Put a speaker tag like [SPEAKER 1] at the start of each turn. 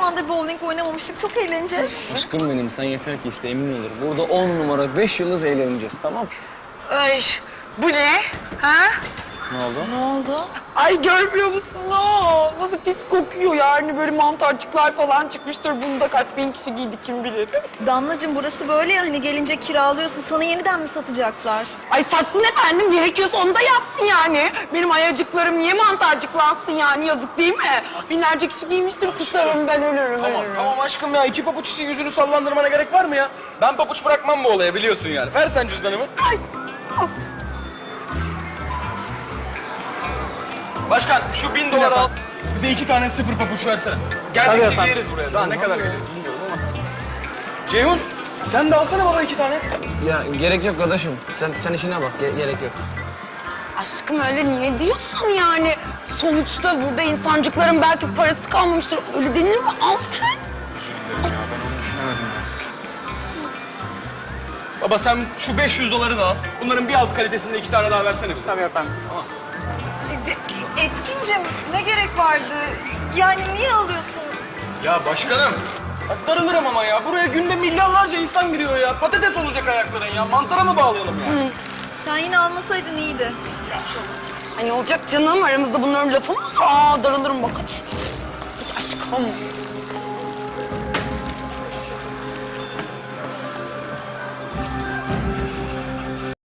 [SPEAKER 1] zamandır bowling oynamamıştık. Çok eğleneceğiz.
[SPEAKER 2] Aşkım benim, sen yeter ki iste, emin olur. Burada 10 numara 5 yıldız eğleneceğiz, tamam?
[SPEAKER 3] Ay bu ne? Ha?
[SPEAKER 2] Ne oldu?
[SPEAKER 1] Ne oldu?
[SPEAKER 3] Ay görmüyor musunuz? Nasıl pis kokuyor yani böyle mantarcıklar falan çıkmıştır. Bunu da kaç bin kişi giydi kim bilir.
[SPEAKER 1] Damlacığım burası böyle ya, hani gelince kiralıyorsun. Sana yeniden mi satacaklar?
[SPEAKER 3] Ay satsın efendim, gerekiyorsa onu da yapsın yani. Benim ayacıklarım niye mantarcıklansın yani, yazık değil mi? Binlerce kişi giymiştir, kusarım ben ölürüm.
[SPEAKER 4] Tamam aşkım ya, iki pabuç için yüzünü sallandırmana gerek var mı ya? Ben pabuç bırakmam bu olaya, biliyorsun yani. Ver sen cüzdanımı.
[SPEAKER 3] Ay.
[SPEAKER 4] Başkan şu 1000 dolar al. Bize 2 tane sıfır pabuç versene. Geldikçe giyeriz buraya. Daha ne kadar giyeriz bilmiyorum ama. Ceyhun sen de alsana baba 2 tane.
[SPEAKER 2] Ya gerek yok kardeşim. Sen işine bak, gerek yok.
[SPEAKER 3] Aşkım öyle niye diyorsun yani? Sonuçta burada insancıkların belki parası kalmamıştır. Öyle denir mi? Al sen.
[SPEAKER 4] Ya ben onu düşünemedim ya. Baba sen şu 500 doları da al. Bunların bir alt kalitesinde 2 tane daha versene bize.
[SPEAKER 3] Tabii efendim.
[SPEAKER 1] Etkincim ne gerek vardı? Yani niye alıyorsun?
[SPEAKER 4] Ya başkanım. Bak darılırım ama ya. Buraya günde milyarlarca insan giriyor ya. Patates olacak ayakların ya. Mantara mı bağlayalım ya?
[SPEAKER 1] Sen yine almasaydın iyiydi.
[SPEAKER 3] Hani olacak canım, aramızda bunların lafı mı? Aa darılırım bak hadi. Hadi aşkım.